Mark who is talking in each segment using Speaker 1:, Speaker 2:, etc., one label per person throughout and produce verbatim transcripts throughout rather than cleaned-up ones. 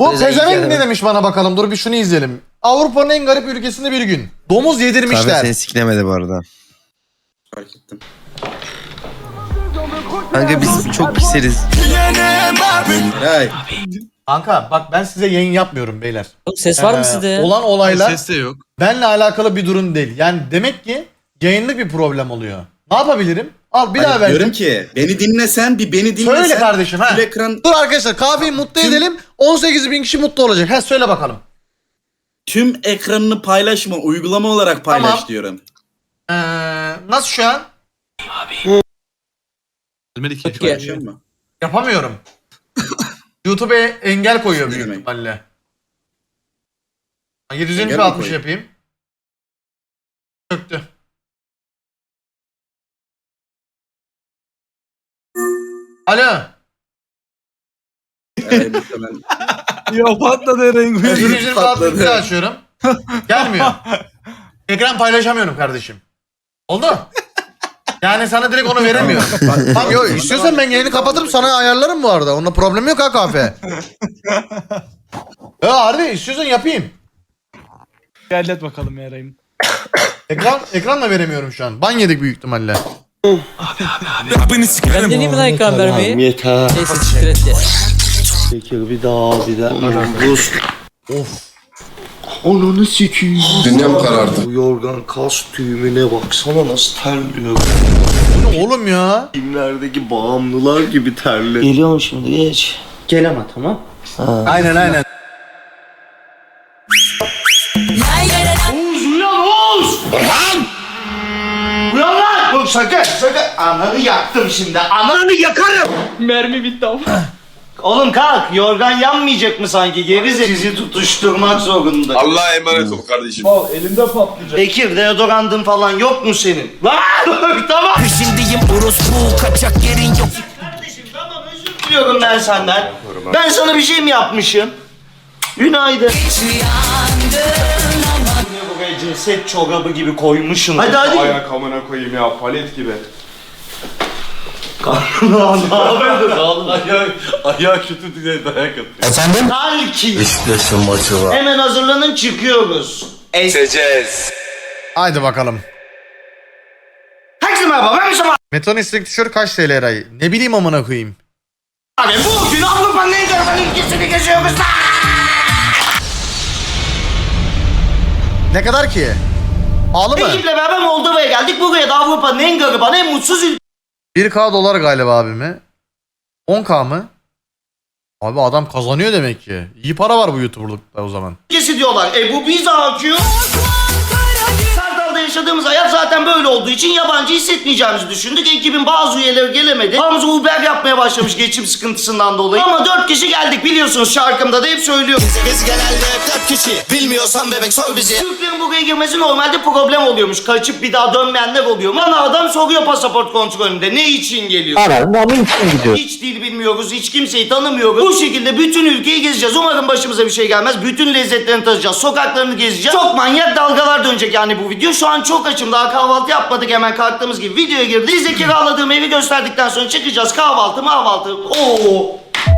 Speaker 1: Bu pezevenk ne demiş bana bakalım. Dur bir şunu izleyelim. Avrupa'nın en garip ülkesinde bir gün. Domuz yedirmişler.
Speaker 2: Kahve seni siklemedi bu arada.
Speaker 3: Fark ettim.
Speaker 2: Kanka biz çok piseriz.
Speaker 3: Hay.
Speaker 1: Kanka bak ben size yayın yapmıyorum beyler.
Speaker 4: Oğlum ses var
Speaker 1: Ee,
Speaker 4: mı sizde ya?
Speaker 1: Olan olaylar
Speaker 5: Ses de yok.
Speaker 1: benle alakalı bir durum değil. Yani demek ki yayınlık bir problem oluyor. Ne yapabilirim? Al bir daha
Speaker 3: Hani
Speaker 1: ver.
Speaker 3: diyorum ki beni dinlesen bir beni dinlesen.
Speaker 1: Söyle kardeşim ha.
Speaker 3: Full ekran
Speaker 1: Dur arkadaşlar kahveyi mutlu
Speaker 3: Tüm-
Speaker 1: edelim. on sekiz bin kişi mutlu olacak. Ha söyle bakalım.
Speaker 3: tüm ekranını paylaşma uygulama olarak paylaş
Speaker 1: Tamam.
Speaker 3: diyorum.
Speaker 1: Ee, nasıl şu an?
Speaker 5: Gelmedi ki.
Speaker 4: Peki.
Speaker 3: Paylaşıyor mu?
Speaker 1: Yapamıyorum. YouTube'a engel koyuyor
Speaker 3: Ne
Speaker 1: büyük
Speaker 3: demek?
Speaker 1: ihtimalle. yedi yüz
Speaker 3: Engel mi
Speaker 1: altmış
Speaker 3: koyuyor?
Speaker 1: yapayım. Çöktü. Alo.
Speaker 3: Evet, muhtemelen.
Speaker 5: Ya patladı Eren.
Speaker 1: yedi yüz altmış
Speaker 3: patladı.
Speaker 1: açıyorum. Gelmiyor. Ekran paylaşamıyorum kardeşim. Oldu. Yani sana direkt onu veremiyorum. Tamam yok istiyorsan ben yayını kapatırım sana ayarlarım bu arada. Onunla problem yok ha kahve. Ya harbi istiyorsan yapayım.
Speaker 6: Hallet bakalım yarayım.
Speaker 1: Ekran ekranla veremiyorum şu an. Ban yedik büyük ihtimalle.
Speaker 4: Ben deneyeyim mi lan ekran vermeyi?
Speaker 7: Yeter.
Speaker 4: Neyse siktir et ya.
Speaker 7: Çekil bir daha bir daha. Buz.
Speaker 1: Of.
Speaker 7: Ananı sikiyim.
Speaker 8: Dünyam karardı.
Speaker 7: Bu yorgan kas düğümüne baksana nasıl terliyor.
Speaker 1: Bu ne oğlum ya?
Speaker 7: Filmlerdeki bağımlılar gibi terli. Geliyorum şimdi geç. Gel ama tamam. Ha.
Speaker 1: Aynen aynen.
Speaker 7: Oğuz uyan Oğuz! Uyan! Uyan lan! Oğlum sakın sakın. Ananı yaktım şimdi. Ananı yakarım.
Speaker 6: Mermi bitti ama.
Speaker 7: Oğlum kalk. Yorgan yanmayacak mı sanki? Gerize sizi tutuşturmak zorunda.
Speaker 8: Allah'a emanet ol kardeşim.
Speaker 6: Elimde patlayacak.
Speaker 7: Bekir deodorantın falan yok mu senin? Lan! Tamam.
Speaker 9: Peşindeyim orospu kaçak yerin yok.
Speaker 7: Kardeşim tamam özür diliyorum ben senden. Ben sana bir şey mi yapmışım? Günaydın. Ne buraya ceset çorabı gibi koymuşsun. Hadi hadi.
Speaker 10: Ayak amına koyayım ya palet gibi.
Speaker 7: Lan ne yapıyorsun oğlum?
Speaker 10: Ayak, ayak kötü diye dayak atıyor.
Speaker 1: Efendim?
Speaker 7: Talki.
Speaker 2: Beşiktaş'ın maçı var.
Speaker 7: Hemen hazırlanın çıkıyoruz. Es
Speaker 8: Seçeceğiz.
Speaker 1: Haydi bakalım.
Speaker 7: Herkese merhaba ben Mustafa
Speaker 1: Meton istek tişört kaç T L Eray? Ne bileyim amına koyayım.
Speaker 7: abi. Bugün Avrupa'nın en garip ülkesini geziyoruz lan.
Speaker 1: Ne kadar ki? Pahalı mı?
Speaker 7: Ekiple beraber Moldova'ya geldik. Buraya da Avrupa'nın en gariban, en mutsuz
Speaker 1: bir K dolar galiba abi mi? on K mı? Abi adam kazanıyor demek ki. İyi para var bu YouTuber'lıkta o zaman.
Speaker 7: ülkesi diyorlar. E bu bize akıyor. Kartal'da yaşadığımız hayat zaten böyle olduğu için yabancı hissetmeyeceğimizi düşündük. Ekibin bazı üyeleri gelemedi. Hamza Uber yapmaya başlamış geçim sıkıntısından dolayı. Ama dört kişi geldik biliyorsunuz şarkımda da hep söylüyorum.
Speaker 9: Biz genelde dört kişi. Bilmiyorsan bebek sor bizi.
Speaker 7: Türklerin buraya girmesi normalde problem oluyormuş. Kaçıp bir daha dönmeyenler oluyor. Bana adam soruyor pasaport kontrolünde. Ne için geliyor?
Speaker 2: Aranın için gidiyor.
Speaker 7: Hiç dil bilmiyoruz, hiç kimseyi tanımıyoruz. Bu şekilde bütün ülkeyi gezeceğiz. Umarım başımıza bir şey gelmez. Bütün lezzetlerini tadacağız, sokaklarını gezeceğiz. Çok manyak dalgalar dönecek yani bu video. Şu an çok açım. Daha kahvaltı yapmadık hemen kalktığımız gibi videoya girdik. Size kiraladığım evi gösterdikten sonra çıkacağız. Kahvaltı, mahvaltı. Oo.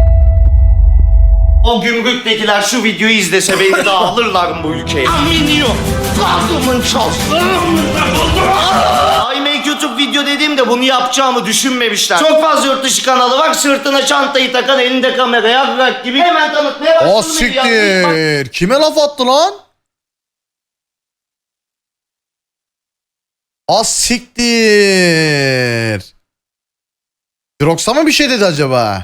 Speaker 7: O gümrüktekiler şu videoyu izlese beni de alırlar mı bu ülkeye? Aminio. Aklımın çalsın. I make YouTube video dediğimde bunu yapacağımı düşünmemişler. Çok fazla yurt dışı kanalı var. Sırtına çantayı takan, elinde kamera, yarrak gibi. Hemen tanıtmaya başladım.
Speaker 1: O siktir. Kime laf attı lan? Az siktir. Drox'a mı bir şey dedi acaba?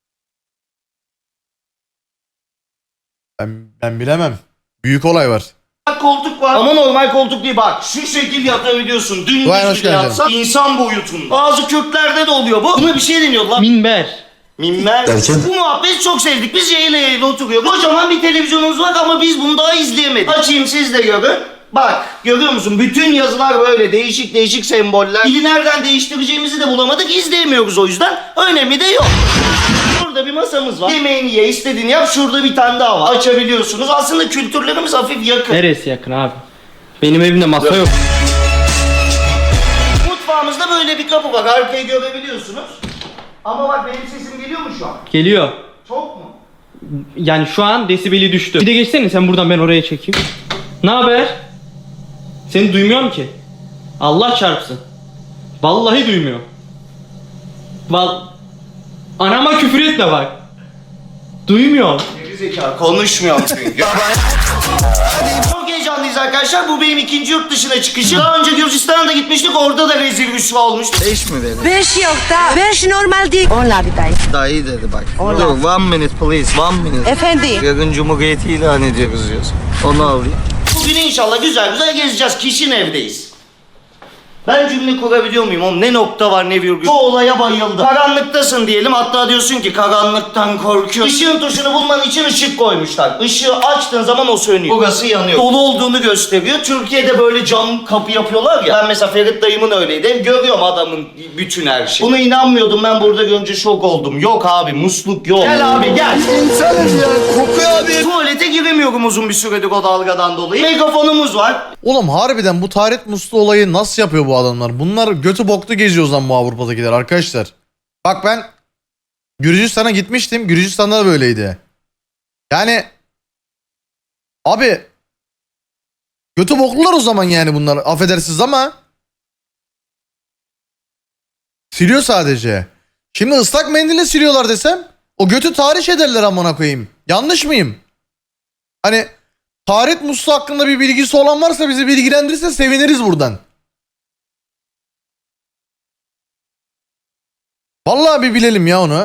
Speaker 1: Ben, ben bilemem. Büyük olay var.
Speaker 7: Koltuk var. Ama normal koltuk değil bak. Şu şekil yatabiliyorsun. Dün
Speaker 1: Vay, hoş
Speaker 7: gibi
Speaker 1: geldin.
Speaker 7: yatsan insan boyutunda. Bazı Kürtlerde de oluyor bu. Buna bir şey deniyor lan.
Speaker 6: Minber.
Speaker 7: Minber. Bu muhabbeti çok sevdik. Biz yayla yayla oturuyoruz. Kocaman bir televizyonumuz var ama biz bunu daha izleyemedik. Açayım siz de görün. Bak görüyor musun? Bütün yazılar böyle değişik değişik semboller. Dili nereden değiştireceğimizi de bulamadık. İzleyemiyoruz o yüzden. Önemi de yok. Burada bir masamız var. Yemeğini ye, istediğini yap. Şurada bir tane daha var. Açabiliyorsunuz. Aslında kültürlerimiz hafif yakın.
Speaker 6: Neresi yakın abi? Benim evimde masa yok.
Speaker 7: Mutfağımızda böyle bir kapı var. Arkayı görebiliyorsunuz. Ama bak benim sesim geliyor mu şu an?
Speaker 6: Geliyor.
Speaker 7: Çok mu?
Speaker 6: Yani şu an desibeli düştü. Bir de geçsene sen buradan, ben oraya çekeyim. Ne haber? Seni duymuyorum ki. Allah çarpsın. Vallahi duymuyor. Val Anama küfür etme bak. Duymuyorum.
Speaker 7: Gerizekalı konuşmuyorum çünkü. Çok heyecanlıyız arkadaşlar. Bu benim ikinci yurt dışına çıkışım. Daha önce Gürcistan'a da gitmiştik. Orada da rezil rüsva olmuştu.
Speaker 2: Beş mi verin?
Speaker 11: Beş yok da. Beş normal değil. Onla bir dayı.
Speaker 2: Dayı dedi bak. Dur one minute please one minute.
Speaker 11: Efendi.
Speaker 2: Yarın Cumhuriyeti ilan ediyoruz diyorsun. Onu alayım.
Speaker 7: Bugün inşallah güzel güzel gezeceğiz. Kişinin evdeyiz. Ben cümle kurabiliyor muyum oğlum? Ne nokta var ne virgül. Bu olaya bayıldım. Karanlıktasın diyelim. Hatta diyorsun ki karanlıktan korkuyorum. Işığın tuşunu bulman için ışık koymuşlar. Işığı açtığın zaman o sönüyor. Burası yanıyor. Dolu olduğunu gösteriyor. Türkiye'de böyle cam kapı yapıyorlar ya. Ben mesela Ferit dayımın öyleydi. Hem görüyorum adamın bütün her şeyi. Buna inanmıyordum. Ben burada görünce şok oldum. Yok abi musluk yok. Gel abi gel.
Speaker 2: İnsanım ya kokuyor abi.
Speaker 7: Tuvalete giremiyorum uzun bir süredir o dalgadan dolayı. Megafonumuz var.
Speaker 1: Oğlum harbiden bu taharet musluğu olayı nasıl yapıyor bu adamlar? Bunlar götü boklu geziyor o zaman bu Avrupa'dakiler arkadaşlar. Bak ben Gürcistan'a gitmiştim. Gürcistan'da da böyleydi. Yani abi götü boklular o zaman yani bunlar. Affedersiniz ama siliyor sadece. Şimdi ıslak mendille siliyorlar desem o götü tahriş ederler amına koyayım. Yanlış mıyım? Hani taharet musluğu hakkında bir bilgisi olan varsa bizi bilgilendirirse seviniriz buradan. Vallahi bir bilelim ya onu.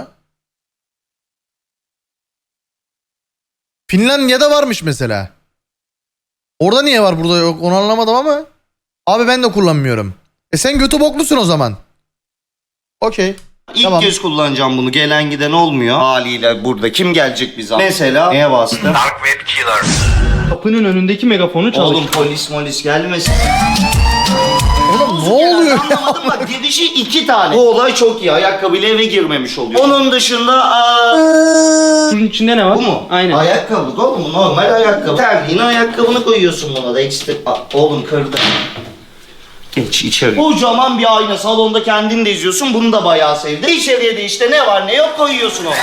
Speaker 1: Finlandiya'da varmış mesela. Orada niye var burada yok onu anlamadım ama. Abi ben de kullanmıyorum. E sen götü boklusun o zaman. Okey.
Speaker 7: İlk
Speaker 1: Tamam.
Speaker 7: kez kullanacağım bunu. Gelen giden olmuyor. Haliyle burada kim gelecek bize? Mesela neye bastı?
Speaker 6: Kapının önündeki megafonu çalış.
Speaker 7: Oğlum polis molis gelmesin.
Speaker 1: Oğlum ne oluyor?
Speaker 7: Anlamadım bak girişi iki tane. Bu olay çok iyi. Ayakkabıyla eve girmemiş oluyor. Onun dışında aa,
Speaker 6: Bunun içinde ne var?
Speaker 7: bu mu?
Speaker 6: Aynen.
Speaker 7: Ayakkabı oğlum bu normal ayakkabı. Terliğine ayakkabını koyuyorsun buna da ekstra. Aa, oğlum kırdı. Geç içeri. Kocaman bir ayna salonda kendin de izliyorsun. Bunu da bayağı sevdim. İçeriye de işte ne var ne yok koyuyorsun onu.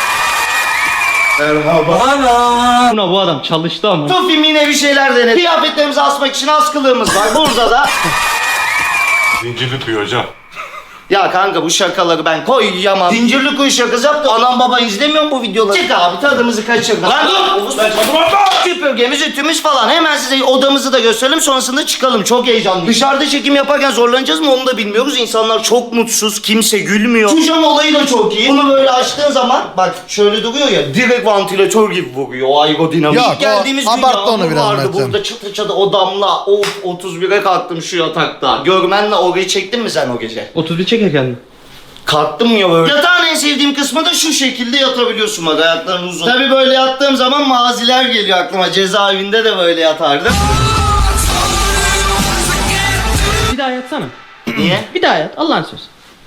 Speaker 7: Merhaba.
Speaker 6: Buna bu adam çalıştı ama.
Speaker 7: Tufim yine bir şeyler denedi. Kıyafetlerimizi asmak için askılığımız var. Burada da
Speaker 10: Zincirli kuyu hocam.
Speaker 7: ya kanka bu şakaları ben koyamam. Zincirli kuyu şakası yaptı. Anam baba izlemiyor mu bu videoları? Çık abi tadımızı kaçırma. Lan dur! Süpürgemiz, ütümüz falan. Hemen size odamızı da gösterelim sonrasında çıkalım. Çok heyecanlıyım. Dışarıda çekim yaparken zorlanacağız mı onu da bilmiyoruz. İnsanlar çok mutsuz. Kimse gülmüyor. Şu cam olayı da çok iyi. Bunu böyle açtığın zaman bak şöyle duruyor ya direkt vantilatör gibi vuruyor. O aerodinamik.
Speaker 1: Yok,
Speaker 7: İlk geldiğimiz
Speaker 1: o
Speaker 7: gün
Speaker 1: abarttı onu
Speaker 7: yağmur
Speaker 1: biraz
Speaker 7: vardı.
Speaker 1: Mert'cim.
Speaker 7: Burada çıtı çıtı o damla. Of otuz bire kalktım şu yatakta. Görmenle orayı çektin mi sen o gece?
Speaker 6: otuz bir çekerken mi?
Speaker 7: Kalktım ya böyle. Yatağın en sevdiğim kısmı da şu şekilde yatabiliyorsun bak ayakların uzun. Tabii böyle yattığım zaman maziler geliyor aklıma. Cezaevinde de böyle yatardım.
Speaker 6: Bir daha yatsana.
Speaker 7: Niye?
Speaker 6: Bir daha yat. Allah'ın sözü.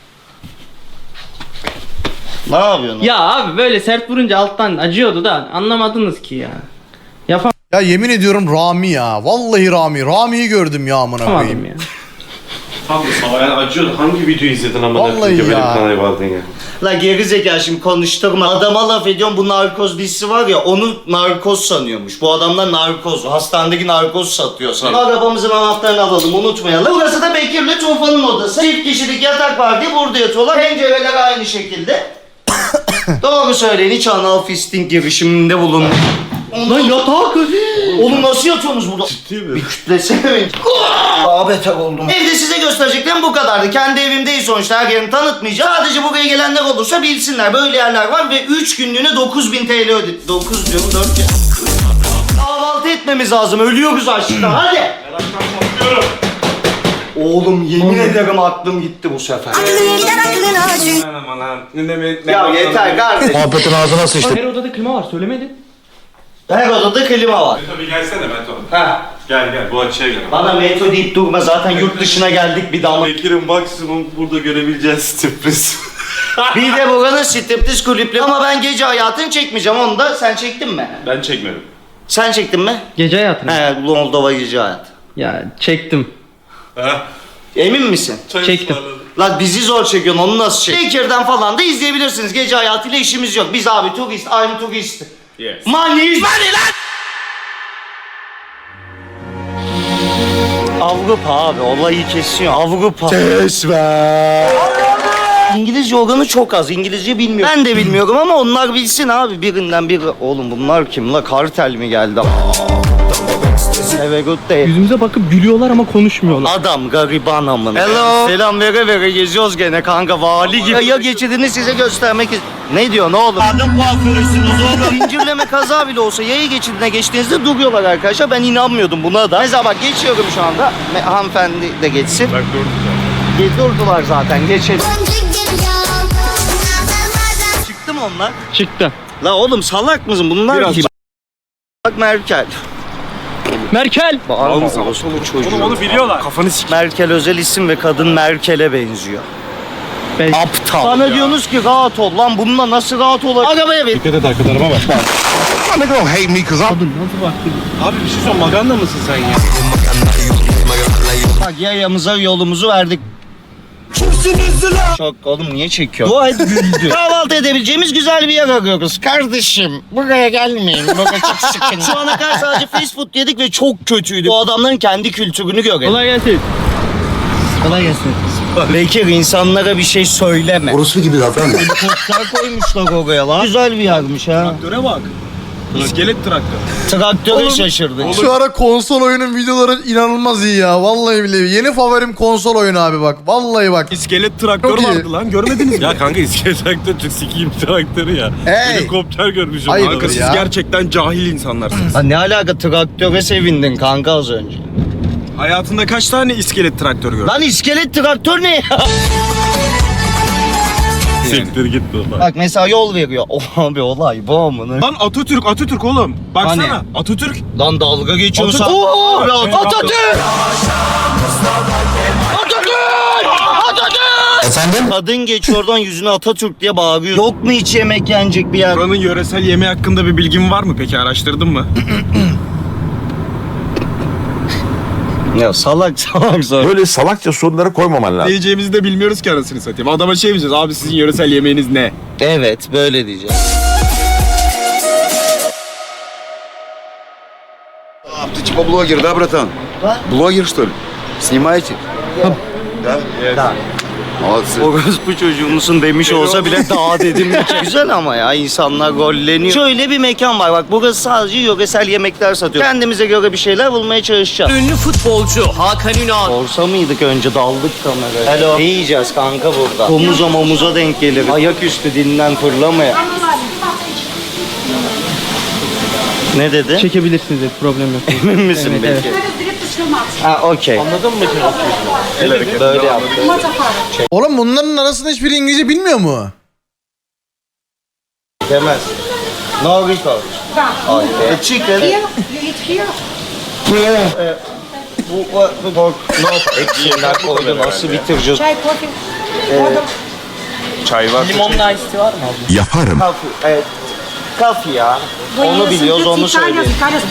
Speaker 7: Ne yapıyorsun?
Speaker 6: Ya abi böyle sert vurunca alttan acıyordu da anlamadınız ki ya. Yapamadım
Speaker 1: Ya yemin ediyorum Rami ya. Vallahi Rami. Rami'yi gördüm ya amına koyayım.
Speaker 6: ya.
Speaker 10: Tam yani acıyordu. Hangi videoyu izledin ama
Speaker 1: Vallahi
Speaker 10: böyle bir
Speaker 1: ya.
Speaker 10: kanal vardın ya.
Speaker 7: La gerizekalı şimdi konuşturma. Adama laf ediyorum bu narkoz dizisi var ya onu narkoz sanıyormuş. Bu adamlar narkoz. Hastanedeki narkoz satıyor sana. Arabamızın anahtarını alalım unutmayalım. Burası da Bekir'le Tufan'ın odası. Çift kişilik yatak var diye burada yatıyorlar. Pencereler aynı şekilde. Doğru söyleyin hiç anal fisting girişiminde bulun.
Speaker 6: Lan yatak.
Speaker 7: Oğlum nasıl yatıyorsunuz burada?
Speaker 10: Ciddi mi?
Speaker 7: Bir kütlesene beni. Daha beter oldum. Evde size göstereceklerim bu kadardı. Kendi evim değil sonuçta her yerini tanıtmayacağım. Sadece buraya gelenler olursa bilsinler. Böyle yerler var ve üç günlüğüne dokuz bin T L ödedim. dokuz diyorum dört bin. Kahvaltı etmemiz lazım. Ölüyoruz açlıktan. Hadi. Oğlum yemin ederim aklım gitti bu sefer.
Speaker 10: Aman aman. Ne demek?
Speaker 7: Ya yeter kardeşim.
Speaker 2: Muhabbetin ağzına sıçtı.
Speaker 6: Her odada klima var söylemedin.
Speaker 7: Her odada klima var.
Speaker 10: Meto bir gelsene Meto.
Speaker 7: Ha.
Speaker 10: Gel gel bu açıya gel.
Speaker 7: Bana Meto deyip durma zaten yurt dışına geldik bir daha.
Speaker 10: Bekir'in maksimum burada görebileceğiz sürpriz.
Speaker 7: Bir de buranın striptiz kulüpleri ama ben gece hayatını çekmeyeceğim onu da sen çektin mi?
Speaker 10: Ben çekmedim.
Speaker 7: Sen çektin mi?
Speaker 6: Gece hayatını.
Speaker 7: He Moldova gece hayatı.
Speaker 6: Ya çektim.
Speaker 10: Ha?
Speaker 7: Emin misin?
Speaker 10: Çay
Speaker 6: Çektim.
Speaker 10: ısmarladım.
Speaker 7: Lan bizi zor çekiyorsun onu nasıl çek? Bekir'den falan da izleyebilirsiniz gece hayatıyla işimiz yok. Biz abi turist, I'm turist.
Speaker 8: Yes.
Speaker 7: Money. Money lan! Avrupa abi olayı kesiyor. Avrupa. Kesme. İngilizce organı çok az. İngilizce bilmiyor. Ben de bilmiyorum ama onlar bilsin abi. Birinden biri. Oğlum bunlar kim la? Kartel mi geldi? Have a good day.
Speaker 6: Yüzümüze bakıp gülüyorlar ama konuşmuyorlar.
Speaker 7: Adam gariban amına. Hello. Selam vere vere geziyoruz gene kanka vali gibi. Ya geçidini size göstermek ist- Ne diyor ne olur? Adım kuaförüsünüz oğlum. Zincirleme kaza bile olsa yaya geçidine geçtiğinizde duruyorlar arkadaşlar. Ben inanmıyordum buna da. Mesela bak geçiyorum şu anda. Me- Hanımefendi de geçsin.
Speaker 8: Bak durdu.
Speaker 7: Ge- Durdular zaten geçelim. Çıktı mı onlar?
Speaker 6: Çıktı.
Speaker 7: La oğlum salak mısın bunlar
Speaker 8: Biraz
Speaker 7: kim? Bak Merkel.
Speaker 6: Merkel.
Speaker 7: Bağırma orospu çocuğu.
Speaker 8: Oğlum onu biliyorlar.
Speaker 5: Kafanı sik.
Speaker 7: Merkel özel isim ve kadın Merkel'e benziyor.
Speaker 6: Ben...
Speaker 7: Aptal. Bana diyorsunuz ki rahat ol lan bununla nasıl rahat olur? Arabaya bin.
Speaker 5: Dikkat et arka tarafa bak. Abi bir şey sor, maganda mısın sen ya?
Speaker 7: Bak yayamıza yolumuzu verdik. Çok oğlum niye çekiyor? Dua et güldü. Kahvaltı edebileceğimiz güzel bir yer arıyoruz. Kardeşim buraya gelmeyin. Buraya çok sıkın. Şu ana kadar sadece fast food yedik ve çok kötüydü. Bu adamların kendi kültürünü görelim.
Speaker 6: Kolay gelsin.
Speaker 7: Kolay gelsin. Bekir insanlara bir şey söyleme.
Speaker 2: Orospu gibi davranma.
Speaker 7: Helikopter koymuşlar oraya lan. Güzel bir yermiş ha.
Speaker 5: Traktöre bak. İskelet traktör.
Speaker 7: Traktöre şaşırdık.
Speaker 1: Şu ara konsol oyunun videoları inanılmaz iyi ya. Vallahi billahi. Yeni favorim konsol oyunu abi bak. Vallahi bak.
Speaker 5: İskelet traktör
Speaker 1: Çok iyi.
Speaker 5: vardı lan, görmediniz mi? Ya kanka iskelet traktör çok sikiyim traktörü ya.
Speaker 1: Hey.
Speaker 5: Helikopter görmüşüm.
Speaker 1: Hayırdır
Speaker 5: Kanka siz
Speaker 1: ya?
Speaker 5: gerçekten cahil insanlarsınız.
Speaker 7: Ha, ne alaka traktöre sevindin kanka az önce.
Speaker 5: Hayatında kaç tane iskelet traktör gördün?
Speaker 7: Lan iskelet traktör ne ya?
Speaker 5: Siktir git baba.
Speaker 7: Bak mesela yol veriyor. Oh abi olay bu amına.
Speaker 5: Lan Atatürk, Atatürk oğlum. Baksana.
Speaker 7: Hani?
Speaker 5: Atatürk.
Speaker 7: Lan dalga geçiyorsun.
Speaker 5: Atatürk.
Speaker 7: Oo, abi Atatürk! Atatürk! Atatürk!
Speaker 2: Efendim?
Speaker 7: Kadın geçiyor oradan yüzüne Atatürk diye bağırıyor. Yok mu hiç yemek yenecek bir yer?
Speaker 5: Buranın yöresel yemeği hakkında bir bilgin var mı peki? Araştırdın mı?
Speaker 7: Ya salak salak salak.
Speaker 8: Böyle salakça soruları koymaman
Speaker 5: Ne
Speaker 8: lazım.
Speaker 5: yiyeceğimizi de bilmiyoruz ki anasını satayım. Adama şey diyeceğiz. Abi sizin yöresel yemeğiniz ne?
Speaker 7: Evet böyle diyeceğim.
Speaker 8: Ты типа блогер, да, братан?
Speaker 7: Да.
Speaker 8: Блогер, что ли? Снимаете? Да?
Speaker 7: Da.
Speaker 8: Молодцы.
Speaker 7: Orospu çocuğu musun demiş olsa bile daha dedim. Güzel ama ya insanlar golleniyor. Şöyle bir mekan var bak burası sadece yöresel yemekler satıyor. Kendimize göre bir şeyler bulmaya çalışacağız.
Speaker 4: Ünlü futbolcu Hakan Ünal.
Speaker 7: Borsa mıydık önce daldık kameraya. Hello. Ne yiyeceğiz kanka burada? Omuza momuza denk gelir. Ayaküstü dinden fırlamaya. Ne dedi?
Speaker 6: Çekebilirsiniz dedi, problem yok.
Speaker 7: Emin misin
Speaker 6: Evet,
Speaker 7: peki? Ha okey.
Speaker 6: Anladın mı?
Speaker 7: Böyle yaptı.
Speaker 1: Oğlum bunların arasında hiçbiri İngilizce bilmiyor mu?
Speaker 7: Demez. No record. Okay. The chicken. Eh, Bu bu bu pork. No. Hepsinden koydu nasıl bitireceğiz?
Speaker 8: Çay var.
Speaker 6: Limonlu ice var mı abi?
Speaker 8: Yaparım.
Speaker 7: Kafi. Evet. Kafi ya. Onu biliyoruz onu söylüyoruz.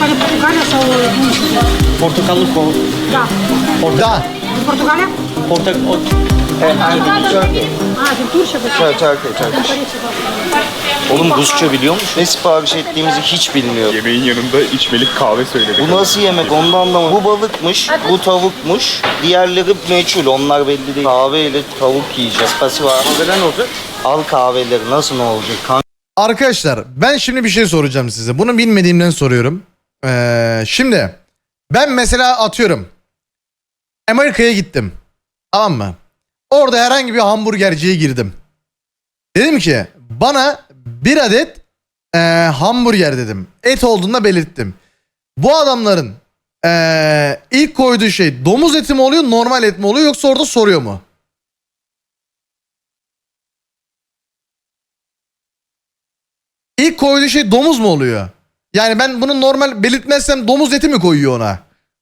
Speaker 6: Portakallı kol.
Speaker 1: Da.
Speaker 6: Portak... O...
Speaker 7: Turkey. Turkey, Turkey. Oğlum Rusça biliyor musun? Ne sipariş ettiğimizi hiç bilmiyorum.
Speaker 8: Yemeğin yanında içmelik kahve söyledik.
Speaker 7: Bu nasıl yemek onu da anlamadım. Bu balıkmış, bu tavukmuş. Diğerleri meçhul, onlar belli değil. Kahveyle tavuk yiyeceğiz. Pası var. Kahveler ne olacak? Al kahveleri nasıl ne olacak? Kan
Speaker 1: Arkadaşlar ben şimdi bir şey soracağım size. Bunu bilmediğimden soruyorum. Ee, şimdi ben mesela atıyorum. Amerika'ya gittim. Tamam mı? Orada herhangi bir hamburgerciye girdim. Dedim ki bana bir adet e, hamburger dedim. Et olduğunda belirttim. Bu adamların e, ilk koyduğu şey domuz eti mi oluyor normal et mi oluyor yoksa orada soruyor mu? İlk koyduğu şey domuz mu oluyor? Yani ben bunu normal belirtmezsem domuz eti mi koyuyor ona?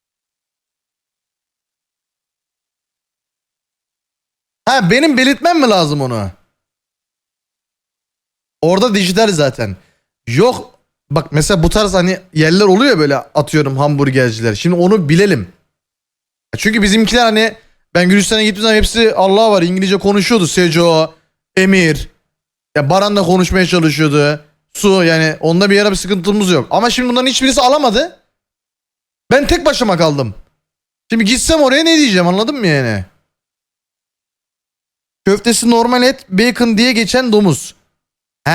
Speaker 1: Ha benim belirtmem mi lazım onu? Orada dijital zaten. Yok bak mesela bu tarz hani yerler oluyor böyle atıyorum hamburgerciler. Şimdi onu bilelim. Çünkü bizimkiler hani ben Gürcistan'a gittiğim zaman hepsi Allah var İngilizce konuşuyordu. Seco, Emir. Ya Baran da konuşmaya çalışıyordu. su yani onda bir yere bir sıkıntımız yok. Ama şimdi bunların hiçbirisi alamadı. Ben tek başıma kaldım. Şimdi gitsem oraya ne diyeceğim anladın mı yani? Köftesi normal et, bacon diye geçen domuz. He.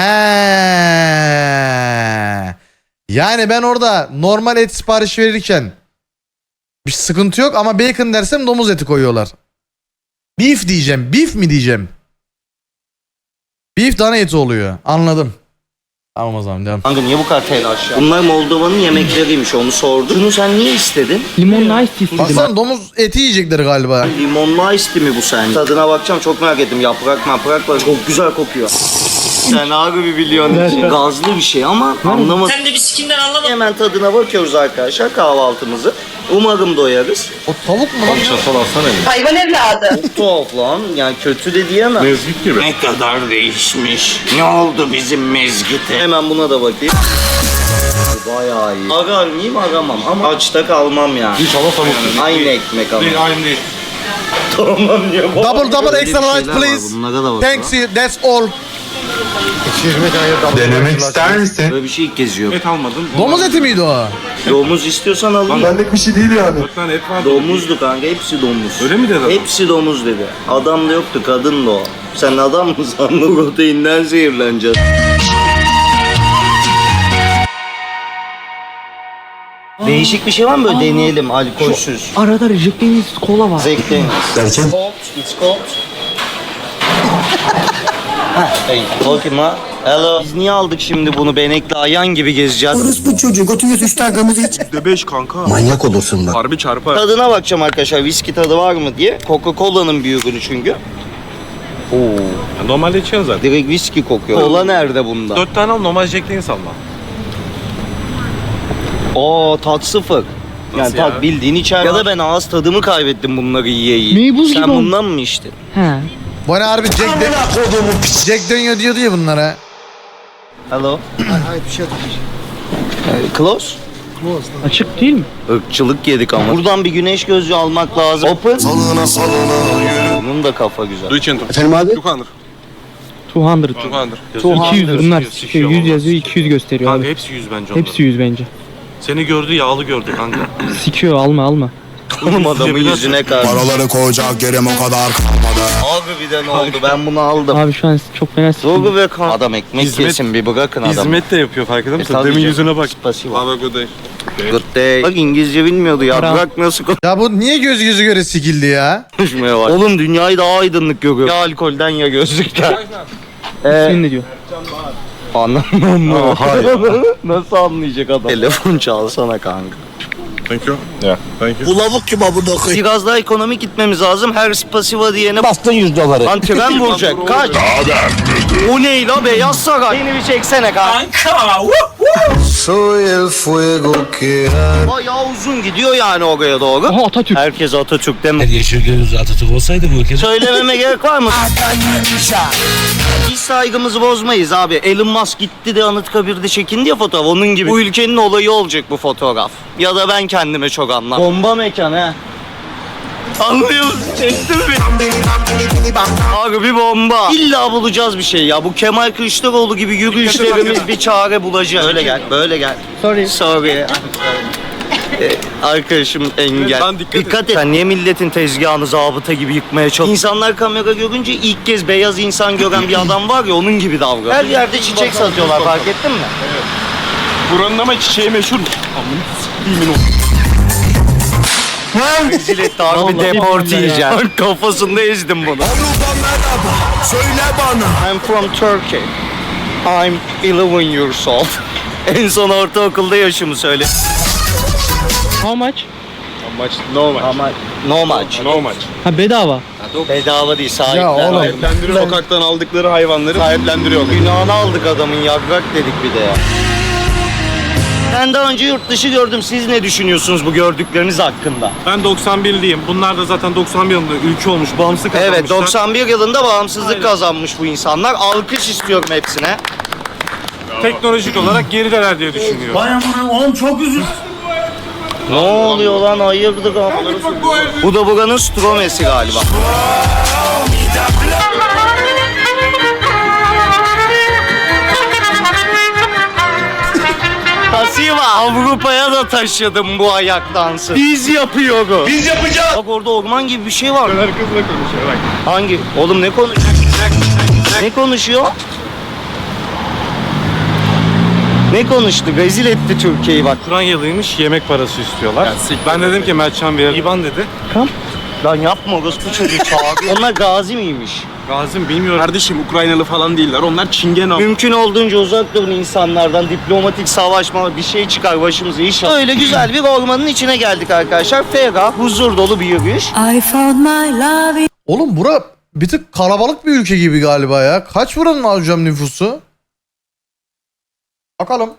Speaker 1: Yani ben orada normal et sipariş verirken bir sıkıntı yok ama bacon dersem domuz eti koyuyorlar. Beef diyeceğim. Beef mi diyeceğim? Beef dana eti oluyor. Anladım. Tamam o zaman devam.
Speaker 7: Kanka niye bu kadar telaş ya? Bunlar Moldova'nın yemekleriymiş onu sordum. Şunu sen niye istedin?
Speaker 6: Limonlu ice tea istedim.
Speaker 1: Baksana domuz eti yiyecekler galiba.
Speaker 7: Limonlu ice tea mi bu sence? Tadına bakacağım çok merak ettim. Yaprak maprak var. Çok güzel kokuyor. Sen abi bir biliyorsun için. Gazlı bir şey ama anlamadım.
Speaker 4: Sen de bir sikinden anlamadın.
Speaker 7: Hemen tadına bakıyoruz arkadaşlar kahvaltımızı. Umarım doyarız.
Speaker 1: O tavuk mu lan?
Speaker 5: Çatal alsana eline.
Speaker 11: Hayvan evladı.
Speaker 7: Çok tuhaf lan. Yani kötü de diyemem.
Speaker 5: Mezgit gibi.
Speaker 7: Ne kadar değişmiş. Ne oldu bizim mezgite? Hemen buna da bakayım. Bayağı iyi. Arar mıyım aramam ama açta kalmam yani.
Speaker 5: İnşallah tavuk.
Speaker 7: Aynı ekmek ama.
Speaker 5: Değil aynı değil.
Speaker 7: Tamam ya.
Speaker 1: Double double
Speaker 7: Öyle
Speaker 1: extra
Speaker 7: bir
Speaker 1: large
Speaker 7: şeyler var,
Speaker 1: please.
Speaker 7: bunlara da bakalım.
Speaker 1: Thanks you. That's all.
Speaker 8: Denemek ister misin?
Speaker 7: Böyle bir şey ilk kez yiyor.
Speaker 5: Et almadım.
Speaker 1: Domuz eti miydi o?
Speaker 7: Domuz istiyorsan alayım.
Speaker 8: Benlik bir şey değil yani.
Speaker 5: Dört tane et vardı.
Speaker 7: Domuzdu kanka hepsi domuz.
Speaker 5: Öyle mi dedi adam?
Speaker 7: Hepsi domuz dedi. Adam da yoktu kadın da o. Sen adam mı sandın? Proteinden zehirleneceğiz. Değişik bir şey var mı böyle deneyelim alkolsüz?
Speaker 6: Arada rejectiniz kola var.
Speaker 7: Zevkli.
Speaker 8: Derken?
Speaker 7: Cold, it's cold. Hey, bakayım ha. Hello. Biz niye aldık şimdi bunu benekli ayan gibi gezeceğiz?
Speaker 9: Orası bu çocuğu götürüyorsun üç tane kırmızı iç.
Speaker 5: De beş kanka.
Speaker 8: Manyak olursun bak.
Speaker 5: Harbi çarpar.
Speaker 7: Tadına bakacağım arkadaşlar viski tadı var mı diye. Coca-Cola'nın bir ürünü çünkü. Oo.
Speaker 5: Ya normalde içiyorsun zaten.
Speaker 7: Direkt viski kokuyor. Kola nerede bunda?
Speaker 5: Dört tane al normal Jack Daniels alma.
Speaker 7: Oo tat sıfır. Yani
Speaker 5: Nasıl
Speaker 7: tat
Speaker 5: ya?
Speaker 7: bildiğin içer. Ya da ben ağız tadımı kaybettim bunları yiye yiye.
Speaker 6: Meybuz
Speaker 7: Sen
Speaker 6: gibi oldu.
Speaker 7: bundan mı içtin?
Speaker 6: He.
Speaker 1: Bu ne harbi Jack, de Jack dönüyor diyordu ya bunlara.
Speaker 7: Hello.
Speaker 8: Hayır bir şey yok.
Speaker 7: Ee, Close.
Speaker 6: Açık değil mi?
Speaker 7: Irkçılık yedik ama. Buradan bir güneş gözlüğü almak lazım. Open.
Speaker 9: Salına salına yürü.
Speaker 7: Bunun da kafa güzel.
Speaker 5: Du için.
Speaker 8: Efendim abi?
Speaker 5: iki yüz.
Speaker 6: iki yüz.
Speaker 5: iki yüz.
Speaker 6: iki yüz bunlar. Şey, yüz yazıyor iki yüz gösteriyor
Speaker 10: Kanka
Speaker 6: abi.
Speaker 10: hepsi yüz bence onların.
Speaker 6: Hepsi yüz bence.
Speaker 10: Seni gördü yağlı gördü kanka.
Speaker 6: Sikiyor alma alma.
Speaker 7: Oğlum adamın yüzüne karşı.
Speaker 9: Paraları koyacak yerim o kadar kalmadı.
Speaker 7: Abi bir de ne oldu ben bunu aldım.
Speaker 6: Abi şu an çok fena
Speaker 7: Zogu
Speaker 6: sıkıntı.
Speaker 7: ve kan. Adam ekmek
Speaker 5: Hizmet-
Speaker 7: yesin bir bırakın adamı.
Speaker 5: Hizmet de yapıyor farkında mısın?
Speaker 7: E, tabii
Speaker 5: Demin
Speaker 7: canım.
Speaker 5: yüzüne bak.
Speaker 7: Pasiva.
Speaker 5: Abi good day.
Speaker 7: Good day. Bak İngilizce bilmiyordu ya.
Speaker 6: Para.
Speaker 7: Bırak nasıl
Speaker 1: Ya bu niye göz gözü göre sikildi ya?
Speaker 7: konuşmaya var. Oğlum dünyayı daha aydınlık görüyor. Ya alkolden ya gözlükten.
Speaker 6: Senin ne diyor?
Speaker 7: Anlamam mı? Nasıl anlayacak adam? Telefon çalsana kanka.
Speaker 5: Thank you. Yeah, thank you.
Speaker 9: Bu lavuk kim abone koyayım?
Speaker 7: Biraz daha ekonomik gitmemiz lazım. Her pasiva diyene
Speaker 8: Bastın yüz doları.
Speaker 7: lan tren vuracak. Kaç. O ne la beyaz saray. Beni bir çeksene kanka.
Speaker 9: Soy el fuego que
Speaker 7: Bayağı uzun gidiyor yani oraya doğru.
Speaker 6: Aha Atatürk.
Speaker 7: Herkes Atatürk deme.
Speaker 2: Yeşil göz Atatürk olsaydı bu ülke.
Speaker 7: Söylememe gerek var mı? Biz saygımızı bozmayız abi. Elon Musk gitti de Anıtkabir'de çekindi ya fotoğraf. Onun gibi. Bu ülkenin olayı olacak bu fotoğraf. Ya da ben kendime çok anlam. Bomba mekan he. Anlıyor musun? Çektin mi? Abi bir bomba. İlla bulacağız bir şey ya. Bu Kemal Kılıçdaroğlu gibi yürüyüşlerimiz bir çare bulacak. Böyle gel, böyle gel.
Speaker 6: Sorry.
Speaker 7: Sorry. Ee, Arkadaşım engel.
Speaker 5: Lan dikkat et.
Speaker 7: Dikkat et. Sen niye milletin tezgahını zabıta gibi yıkmaya çalışıyorsun? İnsanlar kamera görünce ilk kez beyaz insan gören bir adam var ya onun gibi davranıyor. Her yerde çiçek satıyorlar fark ettin mi?
Speaker 5: Buranın ama çiçeği meşhur.
Speaker 7: Rezil etti abi
Speaker 6: Vallahi
Speaker 7: deport
Speaker 6: billahi ya.
Speaker 7: yiyeceğim. Kafasında ezdim bunu.
Speaker 9: söyle bana.
Speaker 7: I'm from Turkey. I'm eleven years old. En son ortaokulda yaşımı söyle.
Speaker 6: How much?
Speaker 5: Maç no maç.
Speaker 7: Ama no much.
Speaker 5: No maç.
Speaker 6: Ha bedava.
Speaker 7: Bedava değil sahipler.
Speaker 1: Ya oğlum.
Speaker 5: Sahiplendiriyor. Sokaktan aldıkları hayvanları sahiplendiriyorlar.
Speaker 7: Günahını aldık adamın yaprak dedik bir de ya. Ben daha önce yurt dışı gördüm. Siz ne düşünüyorsunuz bu gördükleriniz hakkında?
Speaker 10: Ben doksan birliyim. Bunlar da zaten doksan bir yılında ülke olmuş. Bağımsız kazanmışlar.
Speaker 7: Evet doksan bir yılında bağımsızlık kazanmış bu insanlar. Alkış istiyorum hepsine.
Speaker 10: Teknolojik olarak gerideler diye düşünüyorum.
Speaker 7: Ne oluyor lan hayırdır abi? Bu da buranın Stromesi galiba. var. Avrupa'ya da taşıdım bu ayak dansı. Biz yapıyoruz. Biz yapacağız. Bak orada orman gibi bir şey var.
Speaker 5: Kızla konuşuyor bak.
Speaker 7: Hangi? Oğlum ne konuşuyor? Ne konuşuyor? Ne konuştu? Rezil etti Türkiye'yi bak.
Speaker 10: Ukraynalıymış, yemek parası istiyorlar. Ben dedim ki Mertcan bir İban dedi.
Speaker 7: Lan yapma orospu çocuğu çağırıyor. Onlar gazi miymiş?
Speaker 10: Gazim bilmiyorum.
Speaker 5: Kardeşim Ukraynalı falan değiller. Onlar Çingen abi.
Speaker 7: Mümkün olduğunca uzak durun insanlardan. Diplomatik savaşma bir şey çıkar başımıza inşallah. Öyle güzel bir ormanın içine geldik arkadaşlar. Ferah, huzur dolu bir yürüyüş.
Speaker 11: I found my love.
Speaker 1: Oğlum bura bir tık kalabalık bir ülke gibi galiba ya. Kaç buranın hocam nüfusu? Bakalım.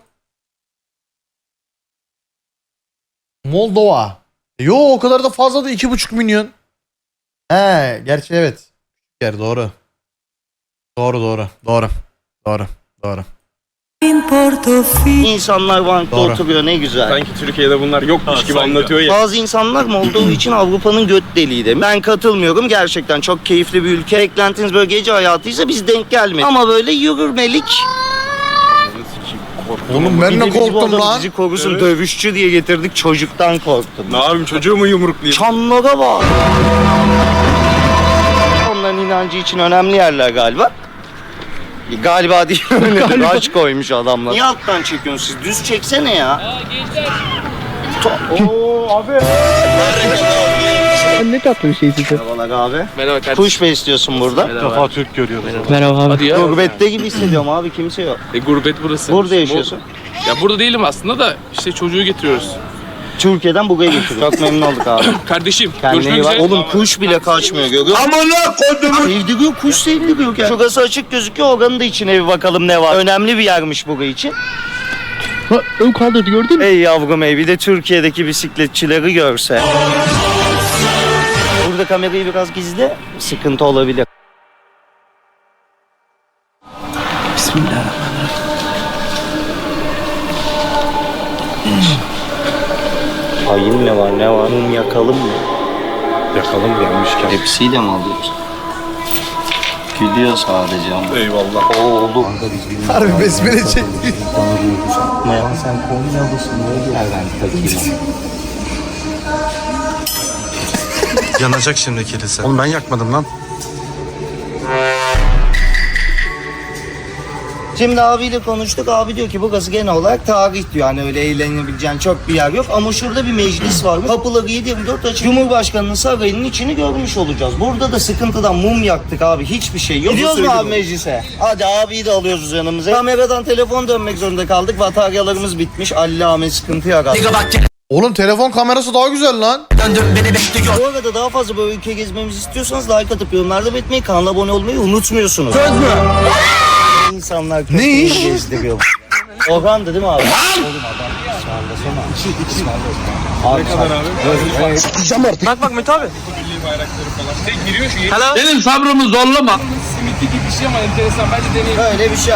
Speaker 1: Moldova. Yo o kadar da fazla da iki buçuk milyon. He gerçi evet. Yer doğru. Doğru doğru. Doğru. Doğru. Doğru.
Speaker 11: In Portofino.
Speaker 7: İnsanlar bankta
Speaker 1: Doğru.
Speaker 7: oturuyor ne güzel.
Speaker 5: Sanki Türkiye'de bunlar yokmuş gibi anlatıyor ya.
Speaker 7: Bazı insanlar Moldova için Avrupa'nın göt deliği demiş. Ben katılmıyorum. Gerçekten çok keyifli bir ülke. Beklentiniz böyle gece hayatıysa biz denk gelmedik. Ama böyle yürürmelik.
Speaker 1: Oğlum ben
Speaker 7: Bir de
Speaker 1: ne
Speaker 7: bizi bu
Speaker 1: korktum
Speaker 7: adam
Speaker 1: lan.
Speaker 7: Bizi korusun dövüşçü diye getirdik çocuktan korktum.
Speaker 5: Ne yapayım çocuğu mu yumruklayayım?
Speaker 7: Çamlara bak. Onların inancı için önemli yerler galiba. Galiba değil. Raç koymuş adamlar. Niye alttan çekiyorsun siz? Düz çeksene ya. Ooo abi.
Speaker 6: Ne tatlı bir şey size.
Speaker 7: Merhabalar abi.
Speaker 4: Merhaba kardeşim.
Speaker 7: Kuş besliyorsun burada.
Speaker 10: İlk defa Türk görüyoruz.
Speaker 6: Merhaba abi.
Speaker 4: Hadi ya.
Speaker 7: Gurbette gibi hissediyorum abi kimse yok.
Speaker 4: E, gurbet burası.
Speaker 7: Burada yaşıyorsun.
Speaker 4: Ya burada değilim aslında da işte çocuğu getiriyoruz.
Speaker 7: Türkiye'den buraya getiriyor. Çok memnun olduk abi.
Speaker 4: Kardeşim
Speaker 7: Kendine
Speaker 4: görüşmek
Speaker 7: iyi bak.
Speaker 4: üzere.
Speaker 7: Oğlum kuş bile kaçmıyor görüyor musun?
Speaker 9: Amına kodumun.
Speaker 7: Sevdiriyor kuş sevdiriyor. Yani. Şurası açık gözüküyor oranın da içine bir bakalım ne var. Önemli bir yermiş burası için.
Speaker 6: Ön kaldırdı gördün mü?
Speaker 7: Ey yavrum ey bir de Türkiye'deki bisikletçileri görse. Burada kamerayı biraz gizle sıkıntı olabilir. Bismillahirrahmanirrahim. Ayın ne var ne var? Mum yakalım mı?
Speaker 10: Yakalım gelmişken.
Speaker 7: Hepsiyle mi alıyoruz? Gülüyor sadece ama.
Speaker 5: Eyvallah.
Speaker 7: Oo oğlum.
Speaker 1: Harbi besmele çekti.
Speaker 7: Ya sen Konyalısın ne yerden takayım?
Speaker 10: Yanacak şimdi kilise. Oğlum ben yakmadım lan.
Speaker 7: Şimdi abiyle konuştuk. Abi diyor ki burası genel olarak tarih diyor. Hani öyle eğlenebileceğin çok bir yer yok. Ama şurada bir meclis var. Kapıları yedi yirmi dört açık. Cumhurbaşkanının sarayının içini görmüş olacağız. Burada da sıkıntıdan mum yaktık abi. Hiçbir şey yok. Gidiyoruz mu abi meclise? Hadi abiyi de alıyoruz yanımıza. Kameradan telefon dönmek zorunda kaldık. Bataryalarımız bitmiş. Allame sıkıntı yarattı.
Speaker 1: Oğlum telefon kamerası daha güzel lan.
Speaker 7: Bu arada daha fazla böyle ülke gezmemizi istiyorsanız like atıp yorumlarda belirtmeyi, kanala abone olmayı unutmuyorsunuz. Söz mü? İnsanlar
Speaker 1: Ne iş?
Speaker 7: gezdiriyor. Orhan'dı değil mi abi? Oğlum adam ısmarlasana. Abi ne kadar abi?
Speaker 6: Bak bak Mete abi.
Speaker 4: Benim sabrımı zorlama.
Speaker 7: Böyle bir şey.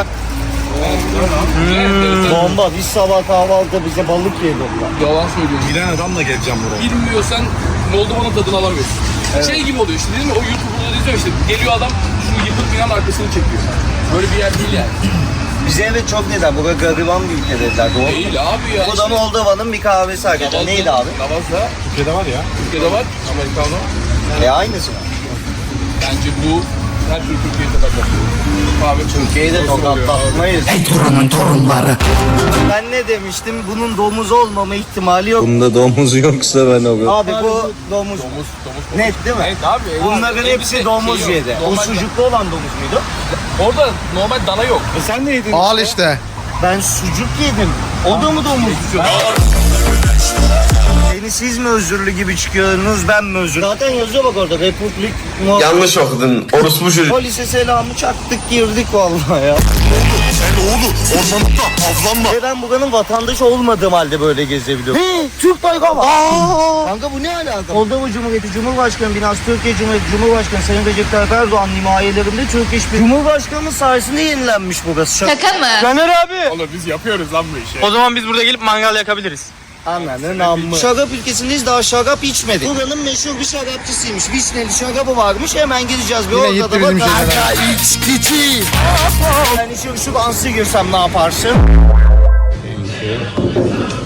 Speaker 7: Hmm. Bomba. Biz sabah kahvaltıda bize balık yedirdiler.
Speaker 4: Yalan söylüyorsun.
Speaker 10: Bilen adamla geleceğim buraya.
Speaker 4: Bilmiyorsan Moldova'nın tadını alamıyorsun. Şey gibi oluyor işte değil mi? O YouTube'da izliyor işte. Geliyor adam şu yıkık binanın arkasını çekiyor. Böyle bir yer değil yani.
Speaker 7: Bize evet çok dediler. Bu gariban bir ülke dediler. Doğru mu?
Speaker 4: Değil abi ya.
Speaker 7: Bu da Moldova'nın bir kahvesi arkadaşlar. Neydi abi?
Speaker 4: Lavazza.
Speaker 10: Türkiye'de var ya.
Speaker 4: Türkiye'de var. Amerikano.
Speaker 7: E aynısı mı?
Speaker 4: Bence bu her türlü Türkiye'de tokatlatıyor. Kahve
Speaker 7: Türkiye'yi de tokatlatmayız. Ey torunun torunları. Ben ne demiştim? Bunun domuz olmama ihtimali yok.
Speaker 8: Bunda domuz yoksa ben o.
Speaker 7: Abi bu domuz.
Speaker 4: Domuz, domuz.
Speaker 7: Net değil mi?
Speaker 4: Evet abi.
Speaker 7: Bunların
Speaker 4: Abi,
Speaker 7: hepsi
Speaker 4: bir de
Speaker 7: domuz
Speaker 4: şey yok.
Speaker 7: yedi. O
Speaker 4: Normal-
Speaker 7: sucuklu olan domuz muydu?
Speaker 4: Orada normal dana yok.
Speaker 10: E sen ne yedin?
Speaker 1: Al işte.
Speaker 7: Ben sucuk yedim. O da mı domuz? Beni siz mi özürlü gibi çıkıyorsunuz, ben mi özürlü? Zaten yazıyor bak orada Republik.
Speaker 8: Yanlış okudun. Orospu çocuk.
Speaker 7: Polise selamı çaktık girdik vallahi ya.
Speaker 9: Sen oğlum ormanlıkta avlanma.
Speaker 7: Ve ben buranın vatandaşı olmadığım halde böyle gezebiliyorum. He, Türk bayrağı var. Aa! Kanka bu ne alaka? Moldova Cumhuriyeti Cumhurbaşkanı binası, Türkiye Cumhuriyeti Cumhurbaşkanı Sayın Recep Tayyip Erdoğan himayelerinde Türk İş Birliği. Cumhurbaşkanımız sayesinde yenilenmiş burası.
Speaker 11: Şaka mı?
Speaker 6: Caner abi.
Speaker 5: Oğlum biz yapıyoruz lan bu işi.
Speaker 6: O zaman biz burada gelip mangal yakabiliriz.
Speaker 7: Anladın amma. Şarap ülkesindeyiz, daha şarap içmedik. Buranın meşhur bir şarapçısıymış. Vişneli şarabı varmış, hemen gideceğiz. Bir
Speaker 1: Yine
Speaker 7: orada
Speaker 1: gitti
Speaker 7: da
Speaker 1: bizim
Speaker 7: bak.
Speaker 1: şeyler.
Speaker 7: İçkici. Yani şu, şu ansı girsem ne yaparsın?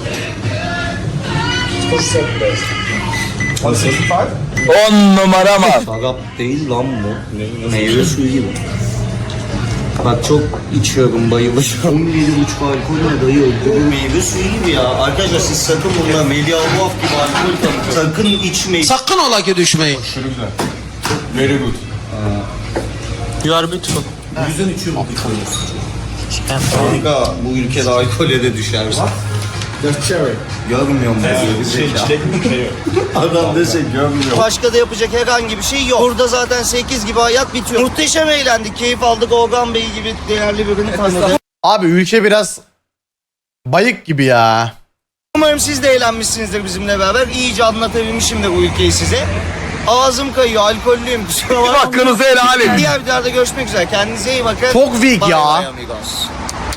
Speaker 8: On numara mı?
Speaker 7: Şarap değil lan bu. Meyve suyu gibi. Bak çok içiyorum, bayılıyorum. on yedi buçuk alkol ne dayı? Bu meyve suyu gibi ya. Arkadaşlar siz sakın bununla Melih Abuaf gibi alkol tanıtın. Sakın içmeyin.
Speaker 1: Sakın ola ki düşmeyin.
Speaker 5: Very good.
Speaker 6: You are beautiful.
Speaker 7: Yüzden içiyorum alkol. Kanka bu ülkede alkole de düşersin. Görmüyorum bu zekalı. Adam dese görmüyor. Başka da yapacak herhangi bir şey yok. Burada zaten sekiz gibi hayat bitiyor. Muhteşem eğlendik, keyif aldık. Organ Bey gibi değerli birini tanıdık.
Speaker 1: Abi ülke biraz bayık gibi ya.
Speaker 7: Umarım siz de eğlenmişsinizdir bizimle beraber. İyice anlatabilmişimdir bu ülkeyi size. Ağzım kayıyor, alkollüyüm. Kusura bakmayın.
Speaker 1: Hakkınızı helal edin.
Speaker 7: Diğer videolarda görüşmek üzere. Kendinize iyi bakın.
Speaker 1: Çok weak
Speaker 7: Bye
Speaker 1: ya.
Speaker 7: bye amigos.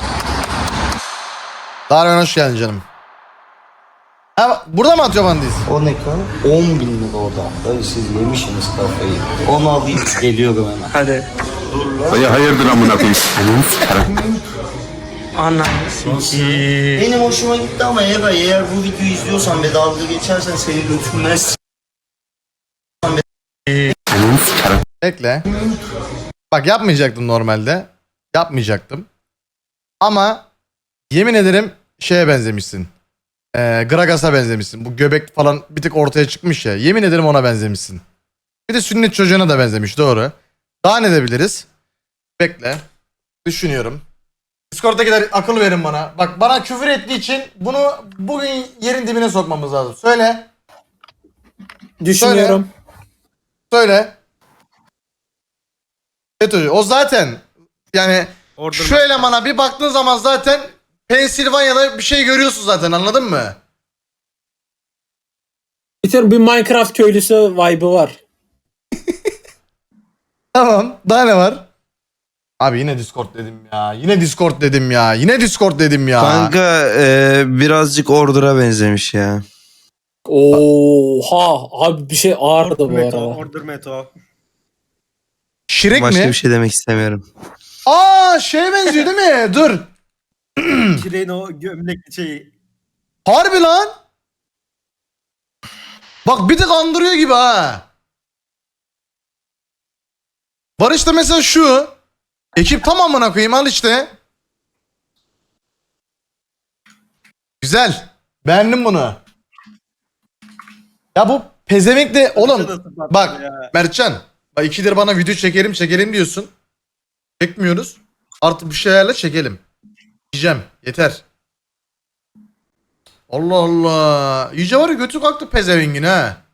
Speaker 1: Darwin hoş geldin canım. Ha, burada mı atıyor bandiz?
Speaker 7: O ne kadar? on bin lira o da. Dayı siz yemişsiniz kafayı. Onu alayım geliyorum hemen.
Speaker 6: Hadi.
Speaker 9: Hayır hayırdır amına koyayım.
Speaker 6: Ana.
Speaker 7: Benim hoşuma gitti ama Eray eğer bu videoyu izliyorsan ve dalga geçersen seni götürmez.
Speaker 1: Bekle. Bak yapmayacaktım normalde. Yapmayacaktım. Ama yemin ederim şeye benzemişsin. Ee, Gragas'a benzemişsin. Bu göbek falan bir tık ortaya çıkmış ya. Yemin ederim ona benzemişsin. Bir de sünnet çocuğuna da benzemiş, doğru. Daha ne edebiliriz? Bekle. Düşünüyorum. Discord'dakiler akıl verin bana. Bak bana küfür ettiği için bunu bugün yerin dibine sokmamız lazım. Söyle. Düşünüyorum. Söyle. Söyle. FETÖ'cü. O zaten yani şu elemana bir baktığın zaman zaten Pensilvanya'da bir şey görüyorsun zaten, anladın mı?
Speaker 2: Bir Minecraft köylüsü vibe'ı var.
Speaker 1: Tamam. Daha ne var? Abi yine Discord dedim ya. Yine Discord dedim ya. Yine Discord dedim ya.
Speaker 8: Kanka e, birazcık Order'a benzemiş ya.
Speaker 2: Oha abi bir şey ağırdı bu arada.
Speaker 5: Order Meto.
Speaker 1: Şirek
Speaker 8: Başka
Speaker 1: mi?
Speaker 8: bir şey demek istemiyorum.
Speaker 1: Aa şeye benziyor değil mi? Dur.
Speaker 5: Şire'nin o gömlekli şeyi.
Speaker 1: Harbi lan. Bak bir tık andırıyor gibi ha. Var işte mesela şu. Ekip tamamına koyayım, al işte. Güzel. Beğendim bunu. Ya bu pezevenk de oğlum. Bak Mertcan. Bak ikidir bana video çekelim çekelim diyorsun. Çekmiyoruz. Artık bir şeylerle çekelim. Diyeceğim. Yeter. Allah Allah. İyice var ya götü kalktı pezevengin ha.